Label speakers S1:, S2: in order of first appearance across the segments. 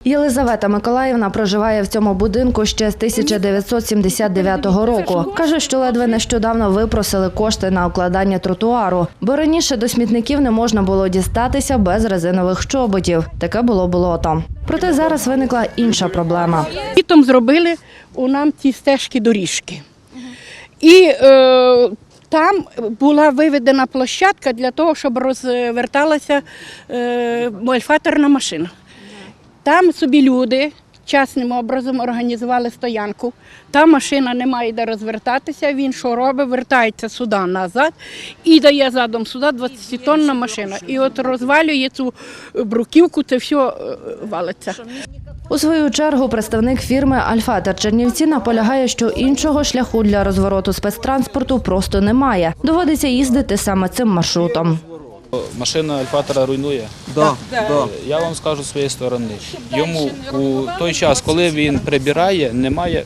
S1: Єлизавета Миколаївна проживає в цьому будинку ще з 1979 року. Каже, що ледве нещодавно випросили кошти на укладання тротуару, бо раніше до смітників не можна було дістатися без резинових чоботів. Таке було болото. Проте зараз виникла інша проблема.
S2: Літом зробили у нам ті стежки-доріжки. І там була виведена площадка для того, щоб розверталася мольфаторна машина. Там собі люди частним образом організували стоянку. Та машина не має де розвертатися, він що робить, вертається сюди назад і дає задом сюди 20-тонна машина. І от розвалює цю бруківку, це все валиться.
S1: У свою чергу представник фірми «Альфатер Чернівці» наполягає, що іншого шляху для розвороту спецтранспорту просто немає. Доводиться їздити саме цим маршрутом.
S3: Машина Альфатера руйнує.
S4: Да.
S3: Я вам скажу з своєї сторони. Йому у той час, коли він прибирає, немає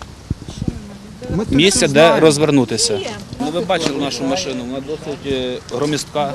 S3: місця, де розвернутися. Ну, ви бачили нашу машину, вона досить громістка,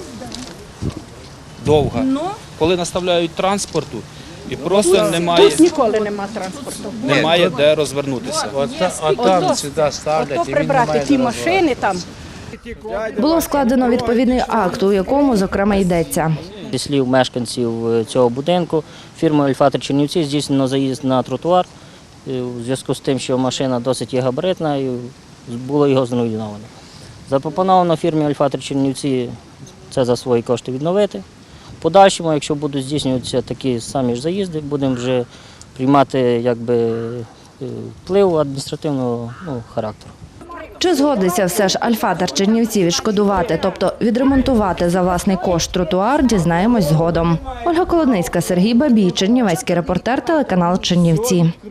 S3: довга. Коли наставляють транспорту, і просто
S2: Тут ніколи нема транспорту.
S3: немає де розвернутися.
S2: Ото прибрати ті машини там.
S1: Було складено відповідний акт, у якому, зокрема, йдеться.
S5: Зі слів мешканців цього будинку, фірмою «Альфатер Чернівці» здійснено заїзд на тротуар у зв'язку з тим, що машина досить є габаритна і було його зруйновано. Запропоновано фірмі «Альфатер Чернівці» це за свої кошти відновити. В подальшому, якщо будуть здійснюватися такі самі ж заїзди, будемо вже приймати вплив адміністративного характеру.
S1: Чи згодиться все ж «Альфатер Чернівці» відшкодувати, тобто відремонтувати за власний кошт тротуар, дізнаємось згодом. Ольга Колодницька, Сергій Бабій, Чернівецький репортер, телеканал «Чернівці».